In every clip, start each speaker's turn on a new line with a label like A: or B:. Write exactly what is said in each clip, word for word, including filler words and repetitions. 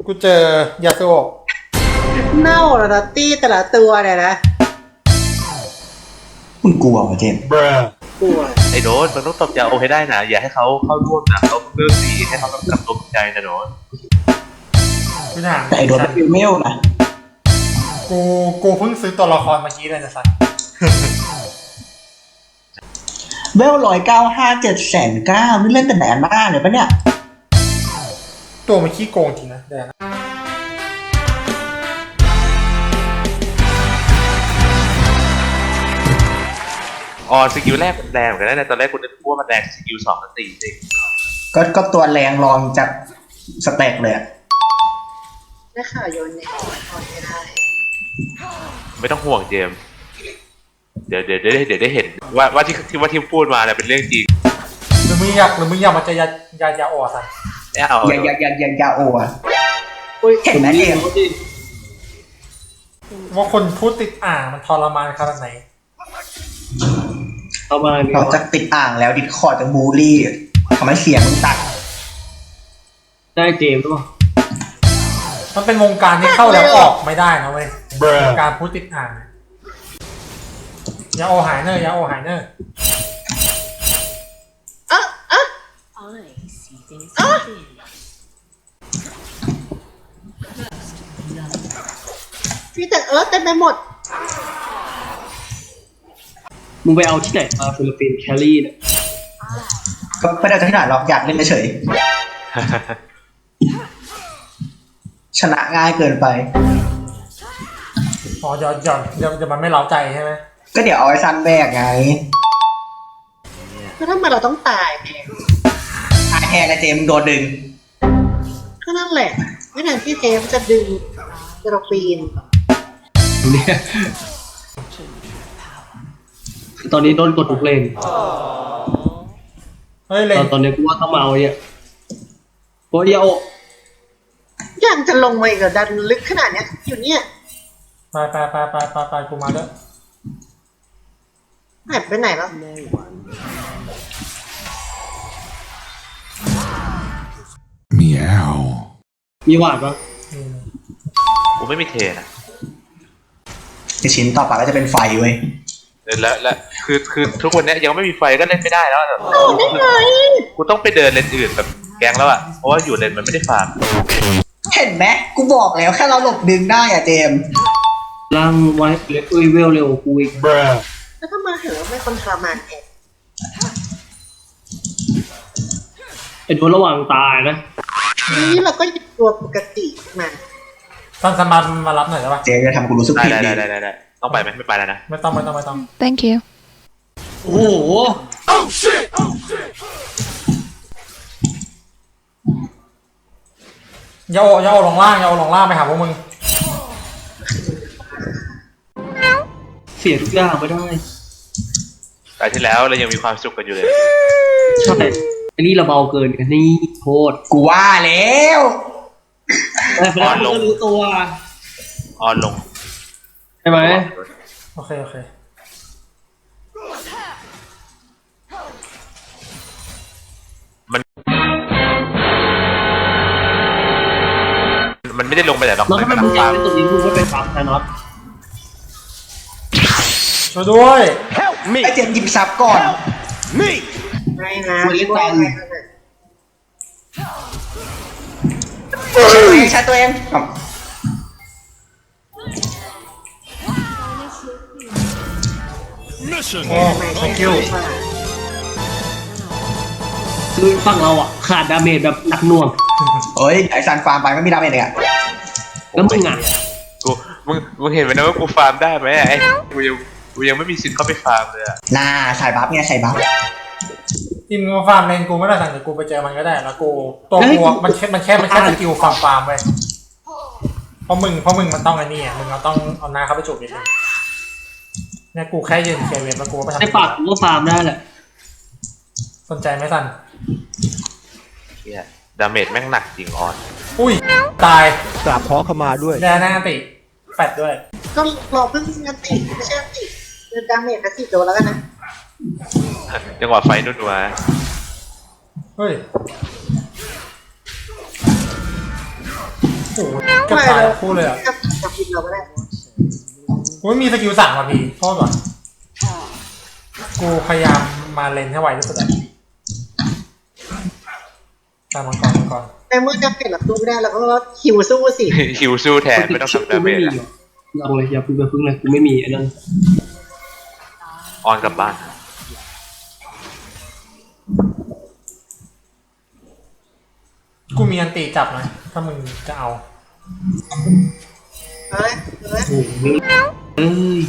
A: กูเจอยาสุโอะ
B: เน่าแล้วนะตี้แต่ละตัวเนี่ยนะ
C: คุณกลัวเหรอเจมส์
B: กลัว
D: ไอ้โดนมันต้องตบยาโอให้ได้นะอย่าให้เขาเข้าร่วมนะเขาเลือกดีให้เขากำกับตัวใจนะโดน
A: กูถาม
C: แต่ไอโดนเป็นเมลนะ
A: กูกูเพิ่งซื้อตัวละครเมื่อกี้เลยนะสัตว์
C: เวลร้อยเก้าห้าเจ็ดแสนเก้านี่เล่นแต่แหนมากเลยปะเนี่ย
A: ตัวมันขี้โกงจริงนะแดง
D: อ๋อสกิลแรกมันแรงเหมือนกันนะตอนแรกกูนึกว่ามันแรงสกิลสองมันตีสิ
C: ก็ก็ตัวแรงรองจากสเต็กเลยอะ
B: ได้ข่าวโยนเนี่ยถอนไม่ได้
D: ไม่ต้องห่วงเจมเดี๋ยวเดี๋ยวเดี๋ยวเดี๋ยวได้เห็นว่าว่าที่ที่ว่าที่พูดมาเนี่ยเป็นเรื่องจริง
A: หรือมึงอยากหรือมึงอยากมาเจอยายายาโอะสัตว์
D: ไม่เอา
C: ยายายายายาโอะเห็นไหมเจม
A: ว่าคนพูดติดอ่างมันทรมานขนาดไหน
C: เราจะติดอ่างแล้วดิสคอร์ดจะบูลลี่ทำให้เสียงมันตัด
E: ได้เจมส์หรือเปล่า
A: มันเป็นวงการที่เข้าแล้วออกไม่ได้นะเว้ยวงการพูดติดอ่างยาโอหายเนอร์ยาโอหายเนอร์
B: อ่ะอ่ะอ่ะพี่แต่เออเต็มไปหมด
E: มึงไปเอาที่ไหนมาฟิลิปปินส์แคลรี่เนี่ย
C: ก็ไม่ได้จะที่ไหนหรอกอยากเล่นเฉยชนะง่ายเกินไป
A: อ๋อหยอดหยอดเดี๋ยวมันไม่เล้าใจใช่ไหม
C: ก็เดี๋ยวเอาไอ้ซันแบกไง
B: ก็ทำไมเราต้องตาย
C: ตายแทนไอ้เจมโดนดึง
B: ก็นั่นแหละไม่นานที่เทมจะดึงกระปีน
E: เนี่ยตอนนี้โดนกดทุกเลน
A: เฮ้ยเลน
E: ตอนนี้กูว่าถ้าเมาเนี่ยโคเดียว
B: ยังจะลงมาอีกดันลึกขนาดเนี้ยอยู่เนี่ย
A: ไปไปไปไปไปไปกูมาด้วย
B: หายไปไหนแล้ว
F: มีแอล
E: มีหวาดปะ
D: กูไม่มีเทนะ
C: ไอชิ้นต่อไปก็จะเป็นไฟเว้ย
D: แล้วแล้วคือคือทุกคนเนี้ยยังไม่มีไฟก็เล่นไม่ได้แล้ว
B: ได้ไง
D: กูต้องไปเดินเลนอื่นแบบแกงแล้วอ่ะเพราะว่าอยู่เลนมันไม่ได้ฟาร์ม
C: เห็นไหมกูบอกแล้วแค่เราหลบดึงได้อะเจม
E: ล่างไว้เล็กเวลเร็วกูอีก
B: แล้วถ้ามาเห็นว่าไม่คนทรมานเอง
E: ไอ้โดนระหว่างตายนะ
B: นี่เราก็หยิบตัวปกติมา
A: ตอนสมาร์ทมารับหน่อยได้ปะ
C: เจมจะทำกูรู้สึกผิด
D: ได้ได้ได้ได้ต้องไปไหมไม่ไปแล้วนะ
A: ไม่ต้องไม่ต้องไม่ต้อง
G: thank you
E: โอ้โห
A: ยาโอยาโอลงล่างยาโอลงล่างไปหาพวกมึง
E: เสียทุกอย่างไม่ได้
D: แต่ที่แล้วเรายังมีความสุขกันอยู่เลย
E: ใช่อันนี้เราเบาเกินกันนี่โทษ
C: กูว่าแล้ว
E: ออนลงรู้ตัว
D: ออนลง
E: ใช่ไหม
A: โอเคโอเค
D: มันมันไม่ได้ลงไปแต่หรอก
E: แล้วถ้ามันเป็นตรงนี้กูก็เป็นฟาร์มนะน็อต
A: ช่วยด้วย
C: ไอเจมหยิบซับก่อน
B: ไม่นะ
C: ช่วยเล่นตันใช้ตัวเอง
A: โอ้ thank you
E: คือฝั่งเราอ่ะขาดดาเมจแบบหนักหน่วง
C: เฮ้ยไอซันฟาร์มไปไม่มีดาเมจเลยอ่ะ
E: แล้วมึงอ่ะ
D: กูมึงมึงเห็นไหมนะว่ากูฟาร์มได้ไหมไอ้กูยังกูยังไม่มีสิทธิ์เข้าไปฟาร์มเลยอ่ะ
C: น่าใส่บัฟเนี่ยใส่บัฟ
A: ทีมมาฟาร์มเลนกูไม่ได้สั่งแต่กูไปเจอมันก็ได้แล้วกูตัวกูมันแค่มันแค่มันแค่สกิลฟาร์มฟาร์มไปเพราะมึงเพราะมึงมันต้องไอ้นี่อ่ะมึงเราต้องเอาหน้าเข้าไปจูบนิดนึงเนี่ยกูแค่ยืนเคเวนแล้วกูไปทำ
E: ไอ้ปากกูก็ฟาร์มได้แหละ
A: สนใจไหมสัน
D: เฮียดาเมจแม่งหนักจริงออน
A: อุ้ยตาย
F: กราบขอขมาด้วย
A: แน่น่าติแปดด้วย
B: ก็รอเพิ่งงันติไม่ใช่งันติเดินดาเมจกระสิบโดนแล้วกันนะ
D: จังหวะไฟนุ่นวะ
A: เฮ้ยโอ้โหเก็บตายทั้งคู่เลยอ่ะ
B: กับกับกินเราก็ได้
A: กูไม่มีสกิลสั่งว่ะพี่โทษว่ะกูพยายามมาเลนให้ไวที่สุดอะตามมังกรมังกร
B: ในเมื่อจะเปลี่ยนหลักตู้ไม่ได้เราก็คิวสู้สิ
D: ฮิวสู้แทนไม่ต้องทำดาเม
E: ไม่
D: จ
E: มี
D: อะ
E: หรอกลองเลยอย่าพึ่งไปพึ่งเลยกูไม่มีไอ้นั่น
D: ออนกลับบ้าน
A: กูมีอันตีจับนะถ้ามึงจะเอา
B: เอ้ยเอ้ย
E: โอ้โหเอ้ย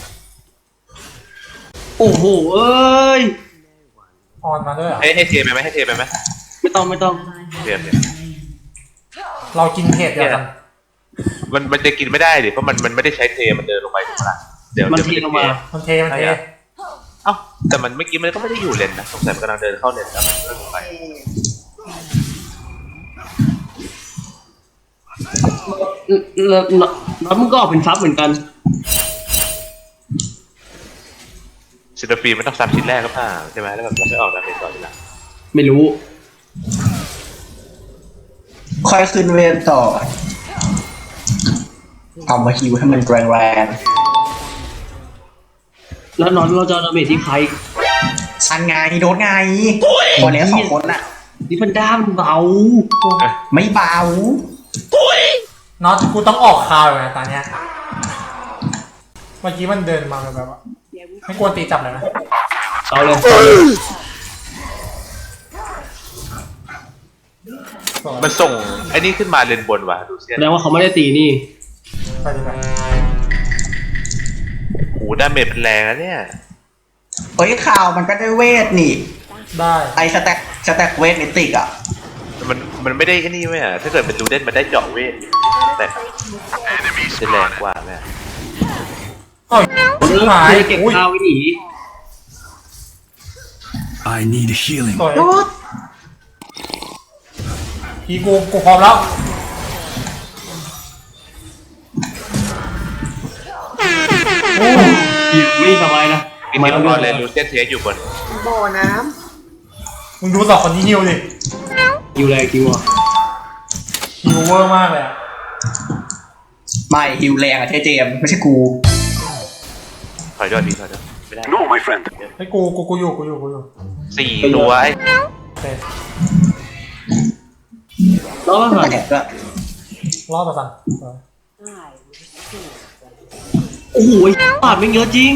E: โอ้โหเอ้ย
A: ออนมาด้วยเหรอ
D: ให้ให้เทไปไหมให้เทไปไหม
E: ไม่ต้องไม่ต้อง
D: เทไปเนี่ย
A: เรากินเห็ดเดียวกัน
D: มันมันจะกินไม่ได้ดิเพราะมันมันไม่ได้ใช้เทมันเดินลงไปถูกปะล่ะเดี๋ยว
E: มัน
D: เดี๋ยว
E: ทีลงมา
A: มันเทมันเท
D: เอ้าแต่มันเมื่อกี้มันก็ไม่ได้อยู่เลนนะสงสัยมันกำลังเดินเข้าเลนแล้วมันก็ลงไป
E: แล้วแล้วมึงก็ออกเป็นซับเหมือนกัน
D: ซินโดฟีมันต้องซับชิ้นแรกก็ผ่าใช่ไหมแล้วแบบเราไม่ออกดาเมจต่อทีหลัง
E: ไม่รู้
C: ค่อยขึ้นเวทต่อ เอามาฮิวให้มันแรงแรง
E: แล้วนอนเราจะเอาดาเมจที่ใคร
C: ๆอันไงโดนไงคนนี้สองคนน่ะ
E: นี่มันด้ามนเบา
C: ไม่เบา
A: น็อตกูต้องออกคาวอยู่นะตอนเนี้ยเมื่อกี้มันเดินมาแบบว่าไม่กวนตีจับเลยนะ
E: เอาเลยเอาเลย
D: มันส่งไอ้นี่ขึ้นมาเลนบนว่ะดูเซีย
E: แส
D: น
E: ดงว่าเขาไม่ได้ตีนี่
A: ไปดีกว่า
D: โอ้ดาเมจเป็นแรงนะเนี่ย
C: เฮ้ยข่าวมันก็ได้เวทนี่
A: ได้
C: ไอสแต็กสแต็กเวทนิติกอ่ะ
D: มันมันไม่ได้แค่นี้ไหมอ่ะถ้าเกิดเป็นดูเด่นมันได้เจาะเวทแต่จะแรงกว่าแม่
A: เอ้ย
E: เริ่ม
A: หาย
E: เลยเก็บ
A: อุ้ย
E: ข้าวไว้หนี
F: I need healing.
A: สวย
B: โดด
A: พี่กูกูพร้อมแล้วโอ้
E: อีกไม่สบายนะ
D: อีกทีละครเลยดูเซียนเทียอยู่บน
B: บ่อน้
A: มึงดูสองคนนี้ฮิวดิ
E: คิวแรงคิวอ่ะ
A: ฮิวเวอร์มากเลยอะ
C: ไม่ฮิวแรงอะเทเจมส์ไม่ใช่กู
D: ถอยด้วยดีถอยด้วยไม่ได้
F: No, my friend.
A: ไอ้ยกูกูกูอยู่กูอยู่กูอยู่
D: สี่ตัวไอ้
A: โอเค
E: แล้วก็หัน
C: แตกก็
A: รอดประสัน
E: โอ้โหปาดไม่เยอะจริง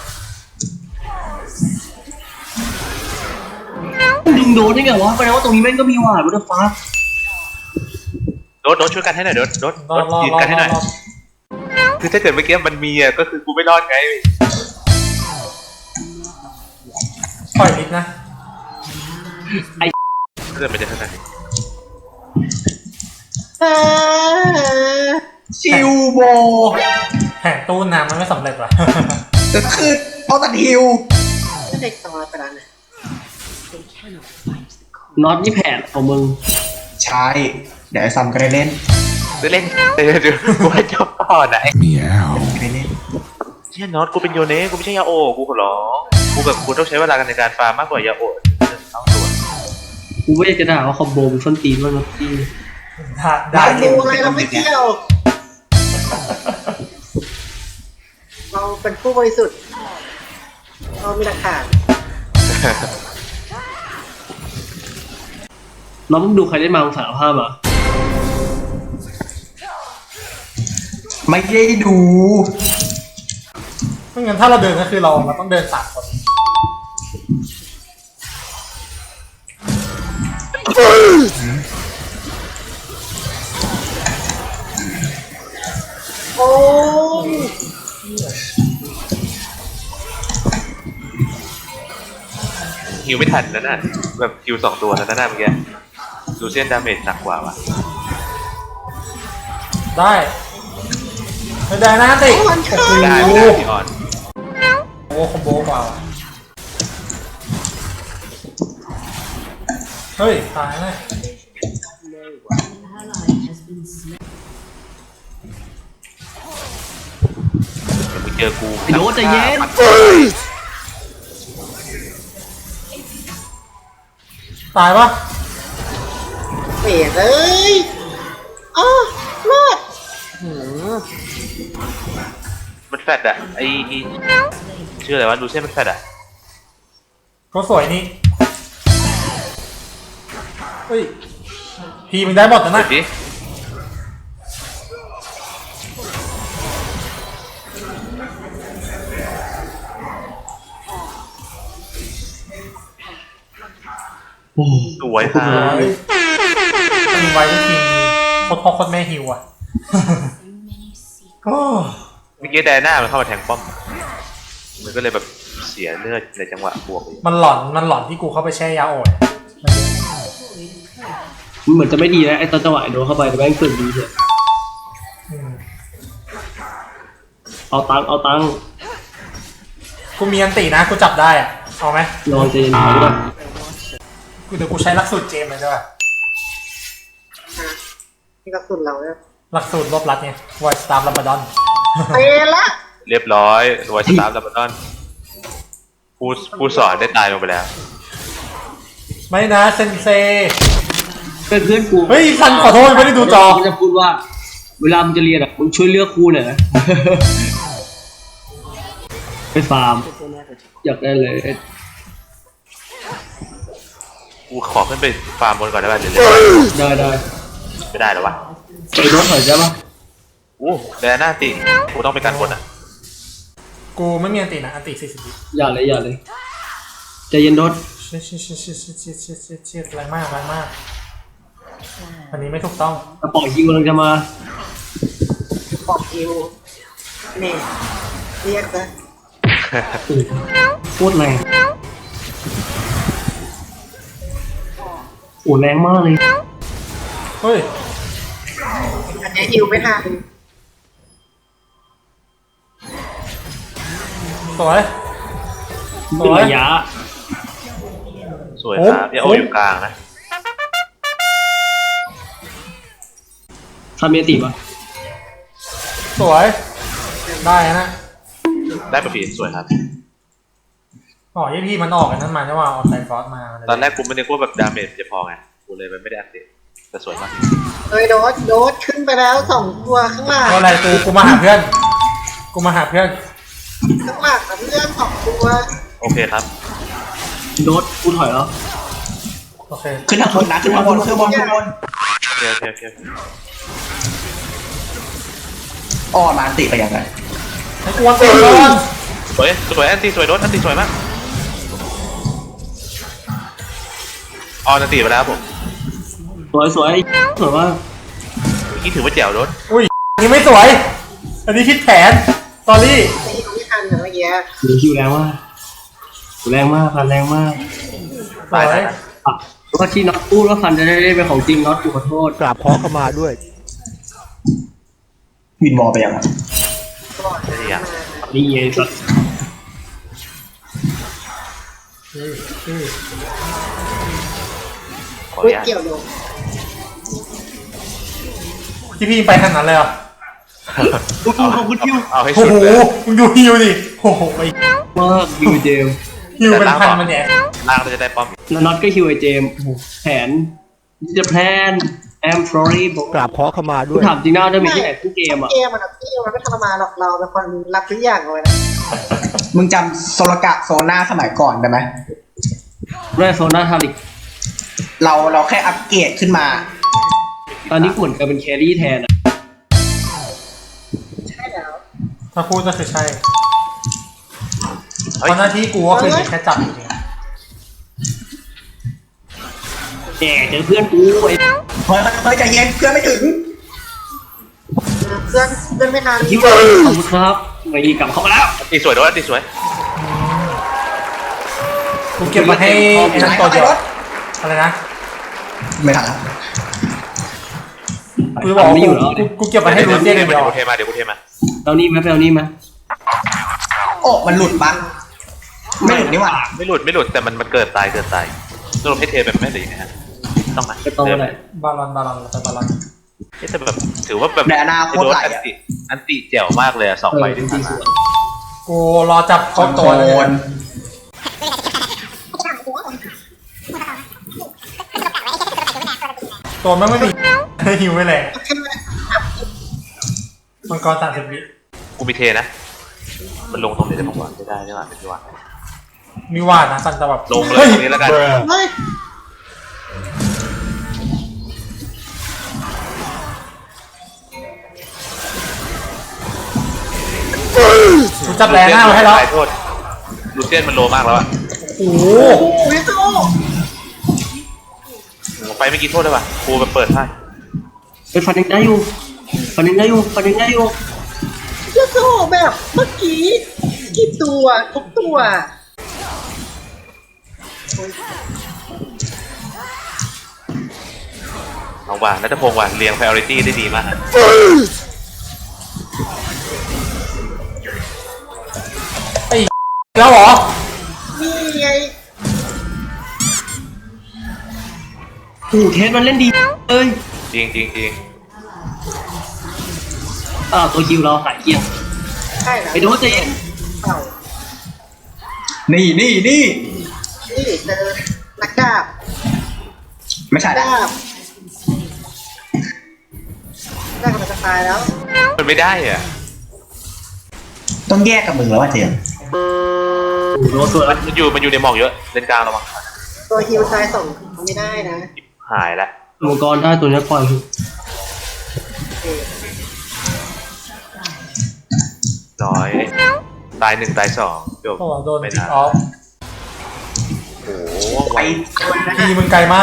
E: ดึงโดนได้ไงวะแปลว่าตรงนี้แม่งก็มีหวาดวัตฟ้า
D: โดดโดดช่วยกันให้หน่อยโดดโดด
A: รอดรอด
D: ยืน
A: รอ
D: กั
A: ด
D: นให้
A: ร
D: ห
A: อ
D: น่
A: ด
D: อย
A: รอด
D: คือถ้าเกิดเมื่อกี้มันมีอ่ะก็คือกูไม่รอดไง
A: ปล่อยลิฟต์นะ
D: ถ้าเกิดมันจะขนาดนี้
B: ำเออ
C: ชิวโบ
A: แผนตู้น้ำมันไม่สำเร็จว่ะ
C: ก็คือเอาตัดฮิว
B: ก็เด็กสองร้อยไปแล้วนะ
E: น็อตนี่แผนของมึง
C: ใช่ เดี๋ยวไอ้ซัมก็ได้เล่น
D: จะเล่นเดี๋ยวเดี๋ยวกูให้เจ้าต่อไหน
F: Meow.
C: ก็ได้เล่น
D: เชี่ยน็อตกูเป็นโยเน่กูไม่ใช่ยาโอกูขอร้องกูแบบกูต้องใช้เวลากันในการฟาร์มมากกว่ายาโอเอาตัว
E: กูไม่อยากจะด่าว่าคอมโบมันส้นตีนมากนะพี่
A: ได้ได้
B: เราดูอะไรเราไม่เที่ยว เราเป็นผู้บริสุทธิ์ เรามีหลักฐาน
E: น้องมึงดูใครได้มามึงสารภาพอ่ะ
C: ไม่ได้ดู
A: ไม่งั้นถ้าเราเดินก็คือเราเราต้องเดินสามคน
B: โอ้ย
D: ฮิวไม่ทันนะน่ะแบบฮิวสองตัวแล้วนะเมื่อกี้ดูเซียนดาเมจหนักกว่าว่ะ
A: ได้ไม่ได้นะติ
B: โอ้มันเข้า
D: ได้ไม่ได้พี่ออน
A: โอ้คอมโบกว่าว่ะเฮ้ยตายเลย
D: เดี๋ยวมึงเจอกู
E: ไอ้โดนใจเย็น
A: ตายปะ
B: เปลี่ยนเลยอ๋อรอดหืม
D: มันแฟดอะไอไอ้ชื่ออะไรวะดูเส้นมันแฟดอะ
A: ก็สวยนี่เฮ้ยพีมึงได้หมดนะ
D: ดู
A: นะ
D: ดิสวยค่ะ
A: มีไว้ที่ทีมโคตรพ่อโคตรแม่ฮิวอ่ะ ก็
D: เมื่อกี้ไดอาน่ามันเข้ามาแทงป้อมมันก็เลยแบบเสียเลือดในจังหวะบวกเลย
A: มันหลอนมันหลอนที่กูเข้าไปแช่ยาโอด
E: มันเหมือนจะไม่ดีนะไอ้ตอนจังหวะไอ้โดนเข้าไปแต่แม่งสุดดีเลย
A: อืม
E: เอาตังค์เอาตังค์
A: กูมีอันตินะกูจับได้อะเอาไหม
E: ลองเจนหน่อยด้วย
A: กูเดี๋ยวกูใช้หลักสูตรเจมเลยด้วย
B: ฮะนี่กระสุนเราเนี่ย
A: หลักสูตรรวบรัดไงไวสตาร์ลับบดอน
B: เตะละ
D: เรียบร้อยไวสตาร์ดับเบิลดอนผู้ผู้สอนได้ตายลงไปแล้ว
A: ไม่นะเซนเซ
E: เพื่อนเพื่อนกู
A: เฮ้ยซันขอโทษไม่ได้ดูจอ
E: มันจะพูดว่า เวลามึงจะเรียนอ่ะมึงช่วยเลือกครูหน่อยนะ ไปฟาร์มอยากได้เลย
D: กูขอขึ้นไปฟาร์มบนก่อนได้ป่ะเดี๋ยว
E: ได้ได้
D: ไม่ได้หรอวะ
E: ไอ้รถถอยได้ปะ
D: อู้ไดอาน่าติกูต้องไปกันบนอ่ะ
A: กูไม่มีอันตินะอันติสี่สิบวิ
E: อย่าเลยอย่าเลยใจเย็นรถ
A: เชี่ยเชี่ยเชี่ยเชี่ยเชี่ยเชี่ยเชี่ยเชี่ยเชี่ยแรงมากแรงมากอันนี้ไม่ถูกต้อง
E: กระป๋องยิงกำลังจะมา
B: บอกคิวนี่เรียกนะ
E: โคตรแรงโอ้แรงมากเลย
A: เฮ้ย
B: อันนี้ฮิวไม่ทัน
A: สวยส
E: เป็น
A: วย
E: ระยะ
D: สวยครับอย่าโออยู่กลางนะ
E: ทำเมียติปะ
A: สวยได้นะ
D: ได้ประฟีสวยครับ
A: อ๋อยี่พี่มันออกกันนั้นมาใช่ว่าออนไลน์ฟอสมา
D: ตอนแรกกูไม่ได้ว่าแบบดาเมจจะพอไงกูเลยไม่ได้อัพเดตแต่สวยมาก
B: เอ้ยโดดโดดขึ้นไปแล้วสองตัวข้างหลัง
A: ก็อะไรกูกูมาหาเพื่อนกูมาหาเพื่อน
B: ข้างหลังกับเพื่อนสองตัว
D: โอเคครับ
E: โดดกูถอยแล้ว
A: โอเค
C: ขึ้นทางบนนะขึ้นทางบนขึ้นบนขึ้นบน
D: โอเคโอเคโอเค
C: อ้อมาอันติไปยังไง
A: ให้กูวันเตะก่อน
D: สวยสวยแอนตี้สวยโดนแอนตี้สวยมากออนแอนตี้ไปแล้วผม
E: สวยสวยสวยว่า
D: เมื่อกี้ถือว่าแจ๋วโดน
A: อุ้ยอันนี้ไม่สวย อันนี้คิดแผนตอรี่
B: ไม่ไม่ทันเหมือนเมื่อกี้
E: หรือคิวแรงมากแรงมากฟันแรงมาก
A: สวย
E: อ่ะแล้วก็ที่น็อตพูดว่าฟันจะได้เล่นเป็นของจริงน็อตกูขอโทษ
F: กราบขอเข้ามาด้วย
C: วินวอลไปยังไง
B: ก่อน
D: ไม่ได้อ่ะ
E: นี่ไงสัตว์
A: อืออือ
D: ขออ
B: อุ้
D: นุ
B: ย
D: ญาต
B: เกี่ยวโดน
A: ที่พี่ไปทางนั้นเลยเหรอ
E: ขอบคุณขอบคุณคิว
D: เอาให้
A: โอ้
D: สุด
A: โห
D: เลย
A: มึงดูฮิวดิโอ้โหไอ้
E: มากคิวเจมส์
A: ฮิวเป็นพันมันเนี่ย
D: ล่างเราจะได้ป้อม
E: แล้วน็อตก็คิวไอเจมส์โอ้โหแผนจะแพลน I'm sorry บอก
F: กราบขอเข้ามา
E: กู
F: ด้วย
E: ถามจริงนะจะมีที่ไหนทุกเกมอ่ะ
B: เกมมันอะพี่มันไม่ทรมานหรอกเราเป็นคนรับทุกอย่างเลยนะ
C: มึงจำโซลกะโซน่าสมัยก่อนได้ไหม
E: แรกโซน่าทาริก
C: เราเราแค่อัปเกรดขึ้นมา
E: ตอนนี้กูเหมือนกับเป็นแครี่แทนอะ
B: ใช่แล้ว
A: ถ้าพูดก็คือใช่
D: เฮ้ย
A: เพราะหน้าที่กูก็คือแค่จับจริง
E: แย่เจอเพื่อนกูไอ้
C: เฮ้ยเฮ้ยใจเย็นเพื่อนไม่ถึง
B: เพื่อนเพื่อนไม่ทัน
E: คิวขอบคุณครับไม่กลับเข้ามาแล้ว
D: แอนตี้สวยโดนแอนตี้สวย
A: กูเก็บมาให้ไอ้นั่นตัวเดียวอะไรนะ
C: ไม่ทันแล้ว
A: กูจะบอกว่า
E: ไม่อยู่แล้ว
A: กูกูเก็บมาให้รูเซียนเดียว
D: เดี๋ยวกูเทมาเดี๋ยวกูเทมา
E: เอานี่ไหมไปเอานี่ไหม
C: โอ้มันหลุดปะไม่หลุดนี่หว่า
D: ไม่หลุดไม่หลุดแต่มันมันเกิดตายเกิดตายสรุปให้เทแบบไม่หรือยังไงฮะต้องไหม
E: ไปโตเลย
A: บาลอนบาลอนแล้วไปบาลอน
D: เอ๊ะแต่แบบถือว่าแบบ
C: แดอานาโคตรไหล
D: อัน
C: อ่ะ
D: ติอันติแจ๋วมากเลยอะสอง
E: เอ
D: ใบ
E: อจ
D: ที่
E: ริ
D: ผ่าน
E: งๆส
D: มา
E: วย
A: กูรอจับครบตัวเลย
C: โอน
A: ตัวมันไม่มี ฮิวไม่แรง
B: แค่แบบ
A: มังกรสามสิบวิ
D: กูมีเทนะ มันลงตรงไหนได้บ้างวะไม่ได้ใช่ไหมไม่ได้วะ
A: มีวาดนะสันแต่แบบ
D: ลงเลย
A: ฮ้
D: ตรงนี้แล้วกัน
B: เฮ้ย
A: กูจับแรงหน้าไว้ให้แล้ว
D: ขอโทษลูเซียนมันโลมากแล้วอะ
A: โอ้โห
B: โอ้ยโซ่
D: ไปไม่กี่โทษได้ป่ะกูไปเปิดให้
E: ไปฟันยังได้อยู่ฟันยังได้อยู่ฟันยังได้อยู่
B: โซ่แบบเมื่อกี้กี่ตัวทุกตัว
D: เอาว่ะนัทพงศ์ว่ะเรียง priority ได้ดีมากอะ
A: ไอ้แล้วเหรอ
B: นี่ไง
E: โอ้เทสมันเล่นดีเอ้ย
D: จริงจริงจริง
E: อ้าวตัวคิวเราหายเกลี้ยง
B: ใช่แล้ว
E: ไปดูเจน
B: เต่า
C: นี่นี่นี่
B: นี่เจอนักดาบ
C: ไม่ใช่ละ
B: ดาบดาบกำลังจะตายแล้ว
D: มันไม่ได้อ่ะ
C: ต้องแยกกับมึงแล้วว่าเจมส์
E: โดนตัว
D: มั
E: แล้
D: น
E: ว
D: มันอยู่มันอยู่ในหมอกเยอะเล่นกลางระวัง
B: ตัวฮิวตายสองไม่ได้นะ
D: หายละ
E: มังกรได้ตัวนี้ปล่อย
B: โอเค
D: ร้อยตายหนึ่งตายสองจบ
A: โอ้โหโดน
D: ไม่
A: จิก
D: ได้
A: ออฟ
D: โอ้โห
C: ไป
A: ทีมึงไกลมาก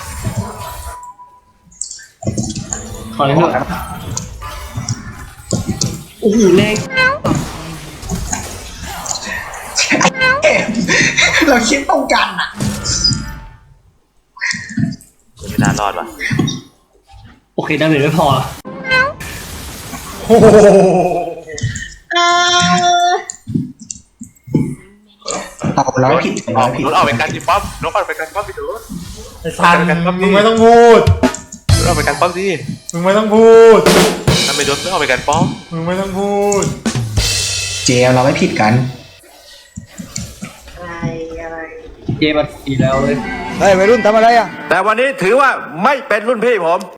E: ถอยเถอะโอ้โหแรง
C: เจมส์เราคิดตรงกันอะ
D: ไม่น่ารอดว่ะ
E: โอเคดาเมจไม่พอ
A: โอ้โห
B: อ่า
C: เอาเราผิด
D: อ
C: เรา
D: อก
C: ผิด
D: นุ๊ออกไปกันจิป๊อปนุ๊ออกไปกันป๊อปพี่ดู
A: ไอ้สันมึงไม่ต้องพูด
D: นุ๊ออกไปกันป๊อปสิ
A: มึงไม่ต้องพูด
D: ทำไมโดนนุ๊ออกไปกันป๊อป
A: มึงไม่ต้องพูด
C: เจมส์เราไม่ผิดกัน
B: อะไรอะไร
E: เกมมันดีแล้วเลย
F: เฮ้ยวัยรุ่นทำอะไรอ่ะ
G: แต่วันนี้ถือว่าไม่เป็นรุ่นพี่ผม